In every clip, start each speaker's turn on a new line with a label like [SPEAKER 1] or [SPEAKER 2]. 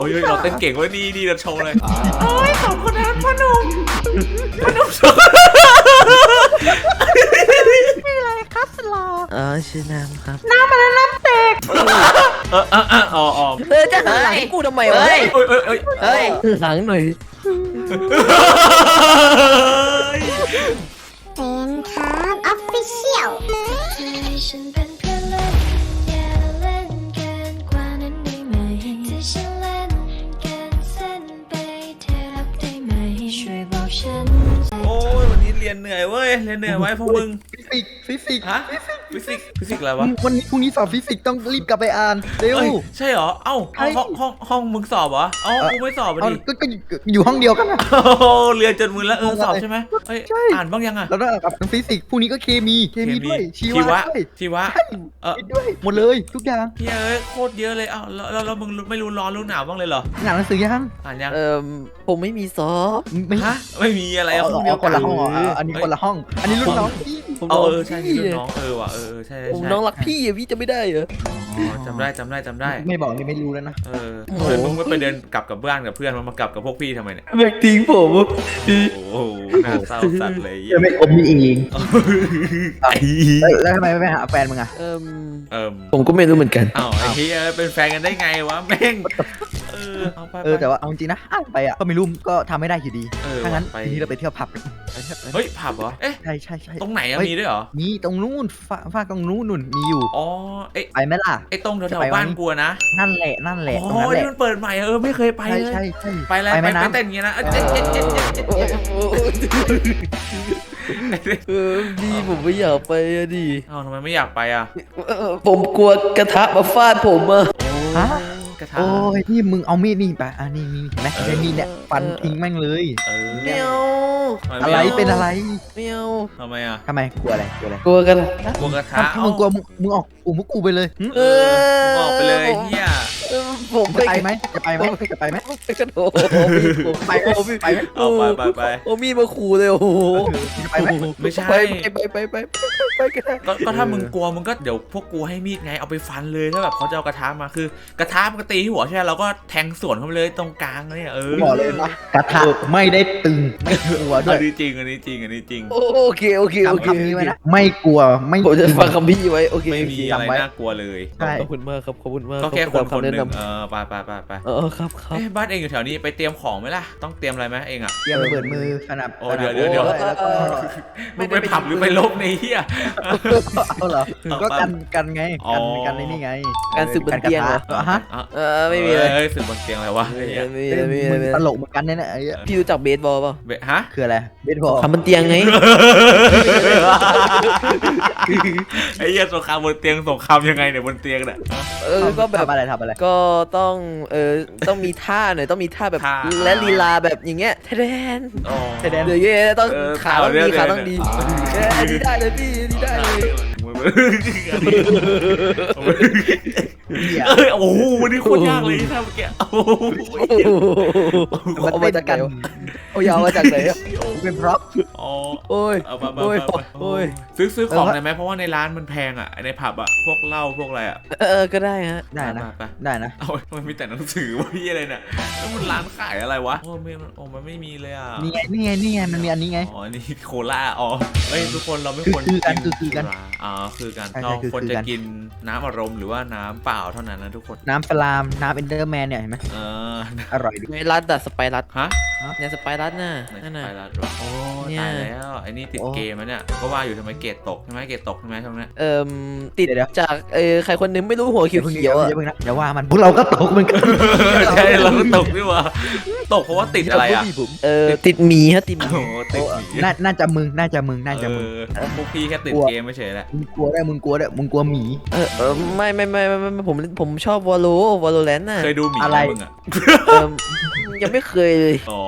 [SPEAKER 1] โอ้ยเราเต้นเก่งเว้ยนี่เราโชว์เลยโอ้ยสองคนนั้นพ่อหนุ่มโชว์
[SPEAKER 2] ชื่ออะไรครับสลอ
[SPEAKER 3] ชื่อน้ำครับ
[SPEAKER 2] น้ำอะไรน้ำเตก
[SPEAKER 1] อ๋อ
[SPEAKER 3] จะหันหลังให้กูทำไมวะ
[SPEAKER 1] เฮ้ย
[SPEAKER 3] หลังหน่อย
[SPEAKER 2] เป็นครับออฟฟิเชียล
[SPEAKER 4] ฉันเป็นเพื่อนเล่นอย่าเล่นเกินกว่านั้นได้ไหมถ้าฉันเล่นเกินเส้นไปเธอรับได้ไหมช่วยบอกฉัน
[SPEAKER 1] โอ้ยวันนี้เรียนเหนื่อยเว้ยเรียนเหนื่อยไว้พวกมึง
[SPEAKER 5] ฟิสิกส์
[SPEAKER 1] ฮะฟิสิกส์อะไรวะ
[SPEAKER 5] วันนี้พรุ่งนี้สอบฟิสิกส์ต้องรีบกลับไปอ่านเร็ว
[SPEAKER 1] เอ้ยใช่เหรอเอ้า
[SPEAKER 5] ใช่
[SPEAKER 1] ห้องมึงสอบเหรอเอ้ากูไม่สอบอ่ะ
[SPEAKER 5] เอา
[SPEAKER 1] ดิ
[SPEAKER 5] ก็อยู่ห้องเดียวกันนะ
[SPEAKER 1] โอ้โหเรียนจนมึนแล้วสอบใช่ไหมเฮ้ย
[SPEAKER 5] ใช่
[SPEAKER 1] อ่านบ้างยังอ่ะ
[SPEAKER 5] แล้วก็กับฟิสิกส์พรุ่งนี้ก็เคมีด้วยชีวะด้วย
[SPEAKER 1] ชีวะ
[SPEAKER 5] ด้วยหมดเลยทุกอย่าง
[SPEAKER 1] เฮ้ยโคตรเยอะเลยเอ้าแล้วมึงไม่รู้ร้อนรู้หนาวบ้างเลยเหรอ
[SPEAKER 5] งานหนังสือยัง
[SPEAKER 1] อ่านยัง
[SPEAKER 3] ผมไม่มีสอบ
[SPEAKER 5] ไม่
[SPEAKER 1] ฮะไม่มีอะไรอะห้องเดียว
[SPEAKER 5] คนละห้องอันนี้คนละห้อง อันนี้รุ่นน้องพี่
[SPEAKER 3] ผม
[SPEAKER 1] ใช่รุ่นน้องว่ะใช่
[SPEAKER 3] ผมน้องรักพี่อะพี่จะไม่ได้เหรอ
[SPEAKER 1] จำได้
[SPEAKER 5] ไม่บอกนี่ไม่รู้แล้วนะ
[SPEAKER 1] เฮ้ยมึงไม่ไปเดินกลับกับเพื่อนกับเพื่อนมากลับกับพวกพี่ทำไมเนี่ย
[SPEAKER 3] แบกทิ้งผม
[SPEAKER 1] โอ้โหน่าเศร้าสัตว์เลย
[SPEAKER 5] จะไม่อมนี่เอง
[SPEAKER 1] ไอ้
[SPEAKER 5] แล้วทำไมไม่ไปหาแฟนมึงอ่ะ
[SPEAKER 3] ผมก็ไม่รู้เหมือนกัน
[SPEAKER 1] อ้าวไอ้เฮียเป็นแฟนกันได้ไงวะแม่งเอาไป
[SPEAKER 5] แต่ว่าเอาจริงนะอ่านไปอ่ะก็ไม่รู้ก็ทำไม่ได้อยู่ดีถ้างั้น
[SPEAKER 1] ไป
[SPEAKER 5] ทีนี้เราไปเที่ยวผับกัน
[SPEAKER 1] เฮ้ยผับเหรอเอ๊ะ
[SPEAKER 5] ใช่
[SPEAKER 1] ตรงไหนอะมีด้วยเหรอ
[SPEAKER 5] มีตรงนู้นฝากตรงนู้นมีอยู่
[SPEAKER 1] อ๋อเอ๊ะ
[SPEAKER 5] ไปไหมล่ะ
[SPEAKER 1] ไอ้ตรงแถวๆบ้านกูนะ
[SPEAKER 5] นั่นแหละตรง
[SPEAKER 1] อ๋อ
[SPEAKER 5] นั้นแห
[SPEAKER 1] ที่
[SPEAKER 5] ละ
[SPEAKER 1] มันเปิดใหม่ไม่เคยไปเลย
[SPEAKER 5] ใช่
[SPEAKER 1] ไปแล้ว
[SPEAKER 5] ไป
[SPEAKER 1] ไป
[SPEAKER 5] แม่น้ำ
[SPEAKER 1] เต้นอย่างเงี้ยนะ
[SPEAKER 3] พี่ผมไม่อยากไปอะดิ
[SPEAKER 1] อ้าวทำไมไม่อยากไปอ่ะ
[SPEAKER 3] ผมกลัวกระทะมาฟาดผมอะ
[SPEAKER 5] ฮะ
[SPEAKER 1] กระทะ
[SPEAKER 5] โอ้ยนี่มึงเอามีดนี่ไปนี่มีเห็นไหมใช้มีดเนี่ยฟันทิ้งแม่งเลย
[SPEAKER 3] เมียว
[SPEAKER 5] อะไรเป็นอะไร
[SPEAKER 3] เมียว
[SPEAKER 1] ทำไมอ่ะ
[SPEAKER 5] ทำไมกลัวอะไร
[SPEAKER 3] กลัวกัน
[SPEAKER 1] กลัวกระทะ
[SPEAKER 5] ถ้ามึงกลัวมึงออกกลุ่มพวกกูไปเลย
[SPEAKER 1] ออกไปเลยเฮีย
[SPEAKER 3] ผม
[SPEAKER 5] จะไปไหมจะไปไหม
[SPEAKER 3] ไปกระโดด
[SPEAKER 5] ไปไหมไปไหม
[SPEAKER 1] เอาไป
[SPEAKER 3] โอ้มีดมาขู่เลยโอ้โห
[SPEAKER 5] จะไปไหม
[SPEAKER 1] ไม่ใช่
[SPEAKER 3] ไปกัน
[SPEAKER 1] ก็ถ้ามึงกลัวมึงก็เดี๋ยวพวกกูให้มีดไงเอาไปฟันเลยถ้าแบบเขาจะเอากระทะมาคือกระทะมันก็ตีที่หัวใช่ไหมเราก็แทงสวนเข้าไปเลยตรงกลางเนี่ย
[SPEAKER 5] บอกเลยนะกระทะไม่ได้ตึงไม่กลัวด้ว
[SPEAKER 1] อั
[SPEAKER 5] ย
[SPEAKER 1] นนี้จริงอันนี้จริง
[SPEAKER 3] โอเค
[SPEAKER 5] จำคำนี้ไว้นะไม่กลัวไม่
[SPEAKER 3] ผมจะฟังคำพี่ไว้โอเค
[SPEAKER 1] ไม่มีอะไรน่ากลัวเลย
[SPEAKER 5] ใช่
[SPEAKER 3] ขอบคุณมากครับขอบคุณมาก
[SPEAKER 1] ก็แค่คนห
[SPEAKER 3] แนะ
[SPEAKER 1] นึ่ง
[SPEAKER 3] นำ
[SPEAKER 1] ไป
[SPEAKER 3] ครับ
[SPEAKER 1] บ้านเองอยู่แถวนี้ไปเตรียมของไหมล่ะต้องเตรียมอะไรไหมเองอ่ะ
[SPEAKER 5] เตรียมระเบิดมือสนับ
[SPEAKER 1] โอ้เดี๋ยว
[SPEAKER 5] แล้วก็
[SPEAKER 1] มึงไปผับหรือไปลบในเฮีย
[SPEAKER 5] เอาเหรอก็กันไงกันในนี่ไง
[SPEAKER 3] การสืบบนเตียงเหรอ
[SPEAKER 5] ฮะ
[SPEAKER 3] ไม่มีเลย
[SPEAKER 1] เฮ้ยสึกบนเตียงอะไรวะ
[SPEAKER 5] มึงตลกเหมือนกันเนี่ยไอ้
[SPEAKER 3] พี่รู้จักเบสบอลป่ะ
[SPEAKER 1] ฮะ
[SPEAKER 5] คืออะไรเบสบอล
[SPEAKER 3] ทำบนเตียงไง
[SPEAKER 1] ไอ้เหี้ยสงครามบนเตียงสงครามยังไงเนี่ยบนเตียงเนี่ย
[SPEAKER 3] ก็แบบ
[SPEAKER 5] ทำอะไร
[SPEAKER 3] ก็ต้องมีท่าหน่อยต้องมีท่าแบบและลีลาแบบอย่างเงี้ยแทน
[SPEAKER 1] อ๋อ
[SPEAKER 3] เดี๋ยวเงี้ยต้องขาต้องดีดีได้เลยพี่ดีได้เลย
[SPEAKER 1] โอ้โหวันนี้โคตรยากเลยท่าเมื่อกี้โอ้โห
[SPEAKER 3] เอามาจากไหนเอายาวมาจากไหน
[SPEAKER 5] เป็นเพราะ
[SPEAKER 1] อ๋อ
[SPEAKER 3] โอ้ย
[SPEAKER 1] เอาไป
[SPEAKER 3] โอ้ย
[SPEAKER 1] ซื้อของได้ไหมเพราะว่าในร้านมันแพงอ่ะในผับอ่ะพวกเหล้าพวกอะไรอ่ะ
[SPEAKER 3] ก็ได้ฮะ
[SPEAKER 5] ได้นะ
[SPEAKER 1] ไป
[SPEAKER 5] ได้นะ
[SPEAKER 1] เอามันมีแต่หนังสือวะพี่อะไรเนี่ยแล้วมันร้านขายอะไรวะโอ้มันไม่มีเลยอ่ะ
[SPEAKER 5] นี่ไงมันมีอันนี้ไง
[SPEAKER 1] อ๋อนี่โคล่าอ๋อเฮ้ยทุกคนเราไม่ควร
[SPEAKER 5] คือกัน
[SPEAKER 1] อ๋อคือกัน
[SPEAKER 5] ใช่
[SPEAKER 1] เราควร
[SPEAKER 5] คือ
[SPEAKER 1] จะ
[SPEAKER 5] กัน
[SPEAKER 1] กินน้ำอารมณ์หรือว่าน้ำเปล่าเท่านั้นนะทุกคน
[SPEAKER 5] น้ำสลามน้ำเอนเดอร์แมนเนี่ยเห็นไหม
[SPEAKER 1] เออ
[SPEAKER 5] อร่อยดี
[SPEAKER 3] ไม่รัดอะสไปรัด
[SPEAKER 1] ฮะ
[SPEAKER 3] เนี่ยสไปรัดน่ะ
[SPEAKER 1] ไหน
[SPEAKER 3] นั่นน่ะ
[SPEAKER 1] ไปแล้ววะโอ้
[SPEAKER 3] เนี่ย
[SPEAKER 1] ตายแล้วไอ้นี่ติดเกมแล้วเนี่ยก็ว่าอยู่ทำไมเกรดตกใช่ไหมเกรดตกใช่ไหมช่วงนี้
[SPEAKER 3] ติดจากใครคนนึงไม่รู้หัวเขียวๆอ่ะ
[SPEAKER 5] อย่าว่ามันพวกเราก็ตกเหมือนกัน
[SPEAKER 1] ใช่เราก็ตกนี่หว่าตกเพราะว่าติดอะไรอ่ะ
[SPEAKER 3] ติดหมีฮะติดหมี
[SPEAKER 1] โอ้โหติดหมี
[SPEAKER 5] น่าจะมึง
[SPEAKER 1] พวกพี่แค่ติดเกมไม่เฉยแหละ
[SPEAKER 5] มึงกลัวหมี
[SPEAKER 3] ไม่ผมชอบวอลโลแรนต์น่ะ
[SPEAKER 1] เคยดูหมี
[SPEAKER 5] อะไร
[SPEAKER 1] มึงอ่ะ
[SPEAKER 3] ยังไม่เคยเลย
[SPEAKER 1] อ๋อ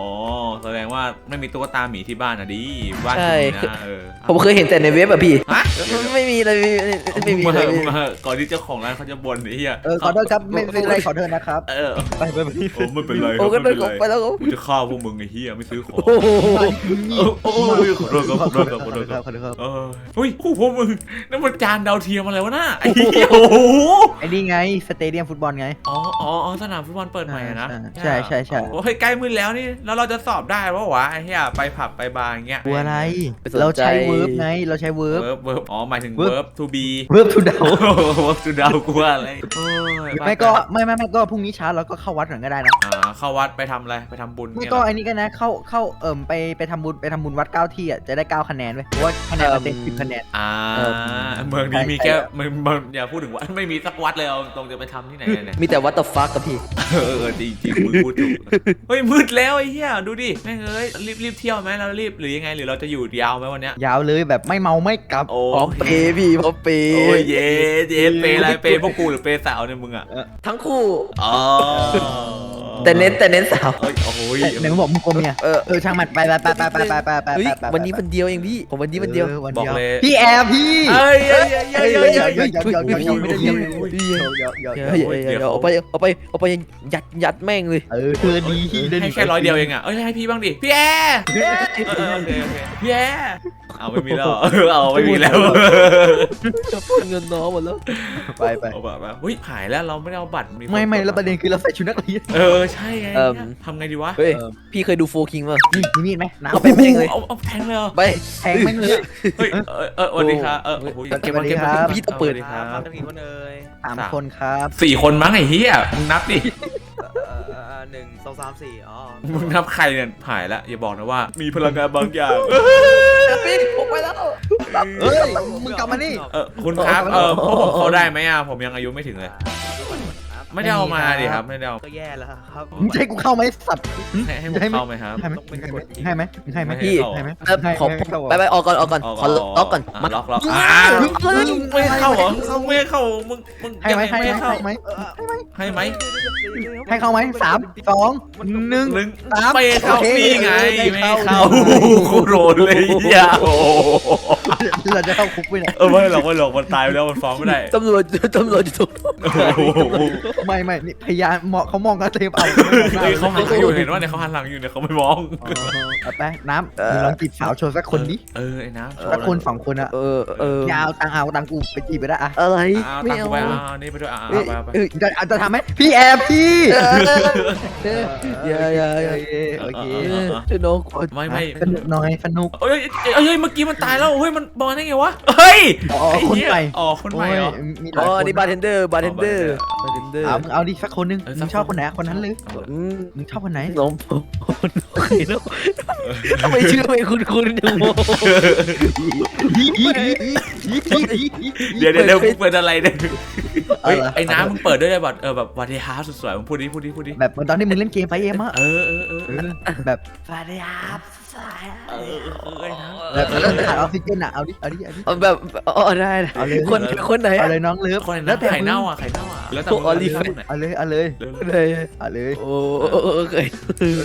[SPEAKER 1] แสดงว่าไม่มีตุ๊กตาหมีที่บ้านนะดิบ้าน
[SPEAKER 3] ใช่
[SPEAKER 1] คุณนะ
[SPEAKER 3] ผมเคยเห็นแต่ในเว็บอะพี่
[SPEAKER 1] ฮะ
[SPEAKER 3] ไม่มีเลยไม่มี
[SPEAKER 1] มา
[SPEAKER 3] เลย
[SPEAKER 1] มาก่อนที่เจ้าของร้านเขาจะบ่นไอ้เหี้ย
[SPEAKER 5] ขอโทษครับไม่เป็นไรขอโทษนะครับ ไป
[SPEAKER 1] โอ้ไม่เป็นไร
[SPEAKER 3] โอ้ก็เดินออกไปแล้ว
[SPEAKER 1] กูจะฆ่าพวกมึงไอ้เหี้ยไม่ซื้อของ
[SPEAKER 3] โอ้โห
[SPEAKER 1] โอ้ขอโทษครับขอโทษครับขอโทษครับ
[SPEAKER 5] ขอโทษครับ
[SPEAKER 1] เฮ้ยพวกมึงนั่นมันจานดาวเทียมอะไรวะน่ะไอ้เหี้ยโอ้โห
[SPEAKER 5] ไอ้นี่ไงสเตเดียมฟุตบอลไง
[SPEAKER 1] อ๋อสนามฟุตบอลเปิดใหม่นะ
[SPEAKER 5] ใช่
[SPEAKER 1] โอ้ยใกล้มืดแล้วนี่แล้วเราจะสอบได้ปะวะไอ้เหี้ยไปผับไปบาร์อย่างเงี้ย
[SPEAKER 5] กลัวอะไร เราใช้เวิร์บไงเราใช้เวิร์บ
[SPEAKER 1] เวิร์บอ๋อหมายถึง
[SPEAKER 5] verb
[SPEAKER 1] verb to be
[SPEAKER 5] เวิร์บทูเดา
[SPEAKER 1] verb to ดาวกลัวอะไรโอ้ย
[SPEAKER 5] ไม่ก็ไม่ก็พรุ่งนี้เช้าเราก็เข้าวัดก่อนก็ได้นะ
[SPEAKER 1] เข้าวัดไปทำอะไรไปทำบุญ
[SPEAKER 5] ไม่
[SPEAKER 1] เนี่ย
[SPEAKER 5] ก็ไอ้นี่กันนะเข้าไปทำบุญวัด9 ที่อ่ะจะได้9 คะแนนเว้ยเพราะว่าคะแนนมันเต็ม10 คะแนน
[SPEAKER 1] เมืองนี้มีแค่มึงอย่าพูดถึงวัดไม่มีสักวัดเลยเอาตรงจะไปทำที่ไหนเนี่ย
[SPEAKER 3] มีแต่วัตถุฟักกับพี่
[SPEAKER 1] จริงมึงพูดถูกเฮ้ยมืดแล้วไอ้เหี้ยดูดิแม่งเอ้ยรีบเที่ยวไหมเรารีบหรือยังไงหรือเราจะอยู่ยาวไหมวันเนี้ย
[SPEAKER 5] ยาวเลยแบบไม่เมาไม่กลับ
[SPEAKER 1] โอ้
[SPEAKER 3] พร้อมเปย์พี่พร้อมเปย์
[SPEAKER 1] โอ้ยเย้เปย์อะไรเปย์พวกกูหรือเปย์สาวเนี่ยมึงอ่ะ
[SPEAKER 3] ทั้งคู่
[SPEAKER 1] อ๋อ
[SPEAKER 3] แต่เน้นสาว
[SPEAKER 1] เฮ้ยโอ้ย
[SPEAKER 5] ไหนมึงบอกมึงกลมเนี่ยช่างมันไป
[SPEAKER 3] เฮ้ยวันนี้วันเดียวเองพี่ผมวันนี้วันเดียว
[SPEAKER 5] วัน
[SPEAKER 1] บอก
[SPEAKER 5] เดียว
[SPEAKER 1] เลย
[SPEAKER 5] พี่แอร์พี่
[SPEAKER 1] เอ้ย
[SPEAKER 3] เอาไปยัดแม่งเลย
[SPEAKER 5] เธอดี
[SPEAKER 1] ให้แค่100 เดียวเองอ่ะเอ้ยให้พี่บ้างดิพี่แอร์โอเคพี่แอร์เอาไม่มีแล้วเอาไม่มีแล้ว
[SPEAKER 3] จะพูดเงินน้องหมดแล้ว
[SPEAKER 5] ไป
[SPEAKER 1] เอาแบบเฮ้ยหายแล้วเราไม่ได้เอาบัตร
[SPEAKER 5] ไม่แล้วประเด็นคือเราใส่ชุดนักเรียน
[SPEAKER 1] ใช่ไงทำไงดีวะ
[SPEAKER 3] เฮ้ยพี่เคยดูโฟคิงป่ะ
[SPEAKER 5] นี่มีมีดไหมน้ำ
[SPEAKER 3] เอาไปแม่งเลย
[SPEAKER 1] เอาแทงเลย
[SPEAKER 3] ไป
[SPEAKER 5] แทงแม่งเลย
[SPEAKER 1] เฮ้ยสวัสดีครับเก็บมา
[SPEAKER 3] พี่ต้องเปิด
[SPEAKER 1] ครับ
[SPEAKER 6] ต้องกี่คนเอ่ย
[SPEAKER 5] 3 คนครับ
[SPEAKER 1] 4 คนมั้งไอ้เหี้ยมึงนับดิ
[SPEAKER 6] 1 2 3 4อ๋อ
[SPEAKER 1] มึงนับใครเนี่ยหายแล้วอย่าบอกนะว่ามีพลังงานบางอย่าง
[SPEAKER 3] พี่ผมไปแล้ว
[SPEAKER 5] เฮ้ยมึงกลับมานี่
[SPEAKER 1] คุณครับพวกผมเข้าได้ไหมอ่ะผมยังอายุไม่ถึงเลย ไม่ได้เอามาดิครับไม่ได้เอา
[SPEAKER 6] ก็แย่แล้วครับ
[SPEAKER 5] มึงจะให้กูเข้าไหมสัตว์
[SPEAKER 1] ให้ผมเข้าไหมครับ
[SPEAKER 5] ให้ไหม
[SPEAKER 3] พี่
[SPEAKER 5] ให้ไหม
[SPEAKER 3] ขอไปออกก่อนขอล็อกก่อนมา
[SPEAKER 1] ล็อกไม่เข้าเหรอไม่เข้ามึง
[SPEAKER 5] ให้ไหมให้
[SPEAKER 1] ไม่
[SPEAKER 5] ไหม
[SPEAKER 1] เข้า
[SPEAKER 5] ให้ไหม
[SPEAKER 1] ให้ไหม
[SPEAKER 5] ให้เข้าไหม3 2 1 3
[SPEAKER 1] ไม่เข้านี่ไงไม่เข้าโคโรนเลยยาโอ้
[SPEAKER 5] เราจะเข้าคุกไปเนี่ย
[SPEAKER 1] ไม่หรอกมันตายไปแล้วมันฟ้องไม่ได้
[SPEAKER 3] ตำรวจอยู่ตรง
[SPEAKER 5] ไม่นี่พยานเขามองกันเต็มเอา
[SPEAKER 1] เขาหันหลังอยู่เห็นว่าเนี่ยเขาหันหลังอยู่เนี่ยเขาไม่มอง
[SPEAKER 5] ไปน้ำมึงลองจีบสาวโชว์สักคนดิ
[SPEAKER 1] ไอ้น้ำ
[SPEAKER 5] สักคน2 คนอะยาวตังกูไปจีบไปได้อะ
[SPEAKER 3] อะไร
[SPEAKER 1] ไม่
[SPEAKER 3] ไม่
[SPEAKER 1] เอา
[SPEAKER 3] เอา
[SPEAKER 1] ไปนี่ไปด้วยไป
[SPEAKER 5] จะทำไหมพี่แอร์พี่
[SPEAKER 3] อย่า
[SPEAKER 5] โอเค
[SPEAKER 3] จะน้องก่อน
[SPEAKER 1] ไม่
[SPEAKER 5] สนุกหน่อยสนุก
[SPEAKER 1] เฮ้ยเมื่อกี้มันตายแล้วเฮ้ยมันบอลได้ไงวะเฮ้ย
[SPEAKER 5] คนใหม่
[SPEAKER 1] คนใหม่เหรอ
[SPEAKER 5] มีห
[SPEAKER 3] อ๋
[SPEAKER 5] ลาย
[SPEAKER 3] อ
[SPEAKER 5] คน
[SPEAKER 3] นี่บาร์เทนเดอร์
[SPEAKER 5] มึงเอาดิสักคนนึงมึงชอบคนไหนคนนั้นเลยมึงชอบคนไหน
[SPEAKER 3] น้องทำไมชื่อไม่คุ้นจังโม
[SPEAKER 1] เดี๋ยวเปิดอะไรเนี่ยไอ้น้ำมึงเปิดด้วยแบบแบบวาเดฮาร์สวยๆมึงพูดดิ
[SPEAKER 5] แบบตอนที่มึงเล่นเกมไปเอ็มอะ แบบสวัสดีครับ
[SPEAKER 1] ไอ้น้ำ
[SPEAKER 5] แบบขาดออกซิเจนอะเอาดิ
[SPEAKER 3] แบบได้คนไหน
[SPEAKER 5] เอาเลยน้องเลิฟ
[SPEAKER 1] คนไหน
[SPEAKER 5] แล้วแต่
[SPEAKER 1] ไข่
[SPEAKER 5] มึง
[SPEAKER 1] เน่าอ่ะไข่เน่าอ่ะแล้วแต่
[SPEAKER 5] เอาเลย
[SPEAKER 3] โอ้เคย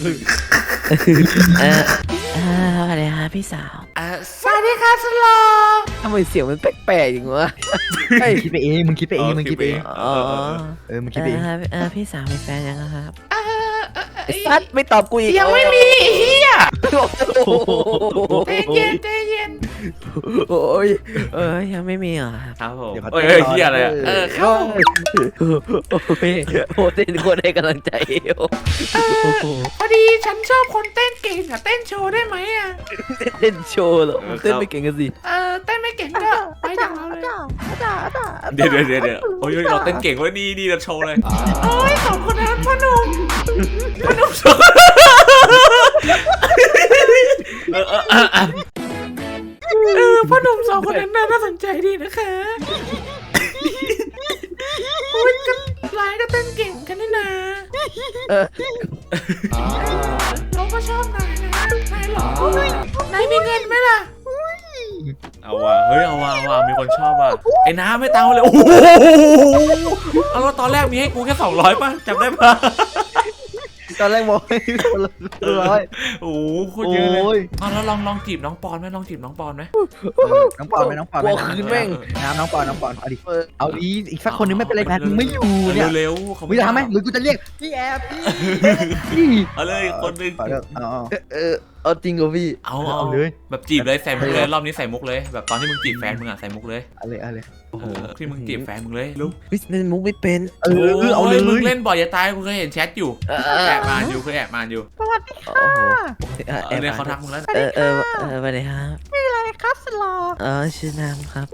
[SPEAKER 3] สวัสดีค่ะพี่สาว
[SPEAKER 1] สวัสดีค่ะสโล
[SPEAKER 3] ทำไมเสียงมันแปลกๆอย่างวะ
[SPEAKER 5] คิดไปเองมึงคิดไปเองมึงคิดไปเอง
[SPEAKER 3] อ๋อ
[SPEAKER 5] มึงคิดไปเอง
[SPEAKER 3] พี่สาวมีแฟนยังครับซัดไม่ตอบกูอีก
[SPEAKER 1] ยังไม่มีเฮีย
[SPEAKER 3] ใจเย็นโอ้ยยังไม่มีเหรอครับ
[SPEAKER 1] ครับผมเฮียอะไรเข้า
[SPEAKER 3] โอ้เต้นคนให้กำลังใจ
[SPEAKER 1] พอดีฉันชอบคนเต้นเก่งอะเต้นโชว์ได้ไหมอะ
[SPEAKER 3] เต้นโชว์เหรอเต้นไม่เก่งกันสิ
[SPEAKER 1] เต้นไม่เก่งก็ไปจากเราเลยเดี๋ยวโอ้ยเราเต้นเก่งว่านี่เราโชว์เลยโอ้ย2 คนนั้นพ่อหนุ่มโชว์พ่อหนุ่ม2 คนนั้นน่าสนใจดีนะคะโอ้ยก็ไลน์ก็เต้นเก่งกันนี่นะเราก็ชอบนายนะนายหล่อนายมีเงินไหมล่ะเอาว่ะเฮ้ยเอาว่ะมีคนชอบว่ะไอ้น้าไม่ตังค์เลยโอ้โหเอาแล้วตอนแรกมีให้กูแค่200ป่ะจำได้ป่ะ
[SPEAKER 5] ตอนแรกบอกให้คนละร้อย
[SPEAKER 1] โอ้โหโคตรเยอะเล
[SPEAKER 5] โอ้
[SPEAKER 1] ย
[SPEAKER 5] ย
[SPEAKER 1] แล้วลองจีบน้องปอนไหมลองจีบน้องปอนไหม
[SPEAKER 5] น้องปอนไหมน้องปอนไหม
[SPEAKER 3] กลัวคืนแม่ง
[SPEAKER 5] น้ำน้องปอนเอาดิเอาดีอีกสักคนนึงไม่เป็นไรแพทมึงไม่อยู่เนี่ย
[SPEAKER 1] เร็วๆเขา
[SPEAKER 5] มึงจะทำไหมหรือกูจะเรียกพี่แอบพี่
[SPEAKER 1] เอาเลยคนหนึง
[SPEAKER 5] ขอเลิกเอา
[SPEAKER 3] เอาจริงเหรอพี่
[SPEAKER 1] เอา
[SPEAKER 5] เอาเลย
[SPEAKER 1] แบบจีบเลยใส่มุกเลยรอบนี้ใส่มุกเลยแบบตอนที่มึงจีบแฟนมึงอะใส่มุกเลย
[SPEAKER 5] เอาเลย
[SPEAKER 3] โอ้โห
[SPEAKER 1] ที่มึงจีบแฟนมึงเลยลูก
[SPEAKER 3] เฮ้ยเล่นมุกไม่เป็น
[SPEAKER 5] เอาเลย
[SPEAKER 1] มึงเล่นบ่อยจะตายกูเคยเห็นแชทอยู่แอบมานอยู่เคยแอบมานอยู่
[SPEAKER 5] สวัสดี
[SPEAKER 3] โอ้โห
[SPEAKER 1] เออเนี่ยเขาทักมึงแล้ว
[SPEAKER 3] สวัสดีครับ
[SPEAKER 5] อะไรครับสลอ
[SPEAKER 3] ชื่อน้ำครับ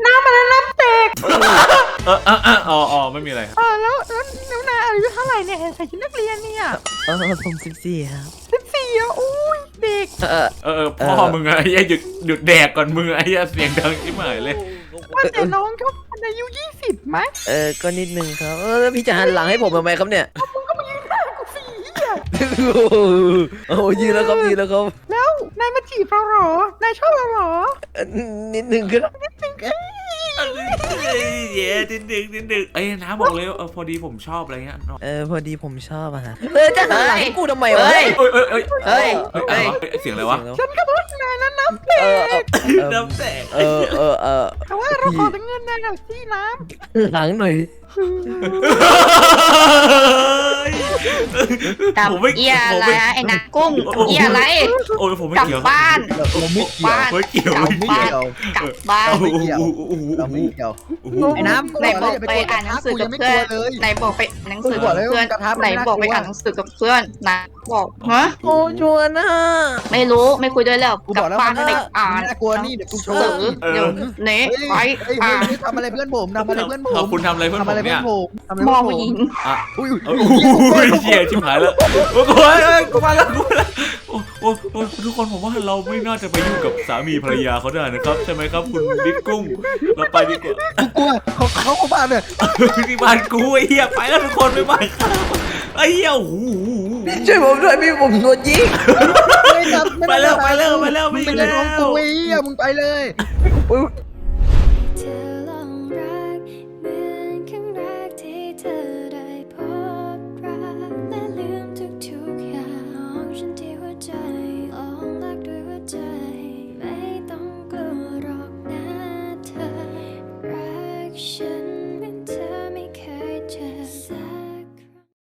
[SPEAKER 1] อ๋อไม่มีอะไรครับ
[SPEAKER 5] แล้วนายอายุเท่าไหร่เนี่ยใส่ชุดนักเรียนเนี่ย
[SPEAKER 3] ผม14ครับ
[SPEAKER 5] 14อ่ะอุ้ยเด็ก
[SPEAKER 1] พ่อมึงอะไอ้เหี้ยหยุดแดกก่อนมึงไอ้เหี้ยเสียงดังชิบหายเลย
[SPEAKER 5] ว่าแต่น้องเขาอายุ20ไหม
[SPEAKER 3] ก็นิดนึงครับแล้วพี่จะหันหลังให้ผมทำไมครับเนี่ย
[SPEAKER 5] กูสี่อ่ะ
[SPEAKER 3] โอ้ยืนแล้วครับยืนแล้วครับ
[SPEAKER 5] แล้วนายมาจีบเราเหรอนายชอบเราเหรอ
[SPEAKER 3] นิดนึงครับ
[SPEAKER 1] เย้นิดนึงไอ้น้าบอกเลยพอดีผมชอบอะไรเงี้ย
[SPEAKER 3] พอดีผมชอบอะฮะจะหันหลังให้กูทำไมวะ
[SPEAKER 1] เสียงอะไรวะ
[SPEAKER 5] ฉันก็พูดนายนะน้ำ
[SPEAKER 1] น้ำแตก
[SPEAKER 5] แต่ว่าเราขอเป็นเงินนายหน่อยสิน้
[SPEAKER 3] หลังหน่อย
[SPEAKER 7] ทำเอียอะไรนะไอ้นักกุ้งเอียอะไร
[SPEAKER 1] โอ้ยผมไม่
[SPEAKER 7] กลับ
[SPEAKER 1] เกี่ยว
[SPEAKER 7] บ้าน
[SPEAKER 5] เราไม่เกี่ยว
[SPEAKER 7] บ้าน
[SPEAKER 1] ไม่เกี่ยว
[SPEAKER 7] กลับ
[SPEAKER 1] ไม่
[SPEAKER 7] บ้า
[SPEAKER 1] เกี่
[SPEAKER 7] น
[SPEAKER 1] ยว
[SPEAKER 7] กลับบ้าน
[SPEAKER 5] ไม่เกี่ยวเราไม่เกี่ยวไอ้น้ำ
[SPEAKER 7] ไหนบอกไปอ่านหนังสือกับเพื่อนไหนบอกไปหนังสือกับเพื่อนไหนบอกไปอ่านหนังสือกับเพื่อนนะบอกฮะ
[SPEAKER 3] โอ้ชวนนะ
[SPEAKER 7] ไม่รู้ไม่คุยด้วยแล้ว
[SPEAKER 5] กู
[SPEAKER 7] กลั
[SPEAKER 5] บอกแล้ว
[SPEAKER 7] บ้าน
[SPEAKER 5] มัน
[SPEAKER 7] ไปอ่าน
[SPEAKER 5] น่ากลัวนี่เดี๋ยวกูโช
[SPEAKER 7] หนั
[SPEAKER 5] ว์
[SPEAKER 7] งสือเดี๋ยวเนะไปอ่าน
[SPEAKER 5] ทำอะไรเพื่อนผมทำอะไรเพื่อนผม
[SPEAKER 1] คุณทำอะไรเพื่อน
[SPEAKER 5] ทำ
[SPEAKER 1] ผ
[SPEAKER 5] อะไร
[SPEAKER 1] ม
[SPEAKER 5] เพื่
[SPEAKER 1] เนี่
[SPEAKER 5] อย นผมทำอะไร
[SPEAKER 7] มอง
[SPEAKER 5] เพื่อนผม
[SPEAKER 7] ผู้หญิง
[SPEAKER 5] อุ้ย
[SPEAKER 1] โอ้ยเชี่ยชิบหายแล้วโอ้ยกูมาแล้วโอ้ทุกคนผมว่าเราไม่น่าจะไปยุ่งกับสามีภรรยาเขาได้นะครับใช่ไหมครับคุณดิ๊กกุ้งเราไปดีกว่า
[SPEAKER 5] กูกลัวเขาบ้านเนี่ย
[SPEAKER 1] ที่บ้านกูไอ้เหี้ยไปแล้วทุกคนไม่บ้านข้าไอ้เหี้ยโอ้โห
[SPEAKER 3] ช่วยผมด้วยพี่ผมโดนยิง
[SPEAKER 1] ไปแล้วไม่
[SPEAKER 5] มึง
[SPEAKER 1] อยู่
[SPEAKER 5] เป็น
[SPEAKER 1] แล้
[SPEAKER 5] น้องกู
[SPEAKER 1] ว
[SPEAKER 5] ไอ้เหี้ยมึงไปเลย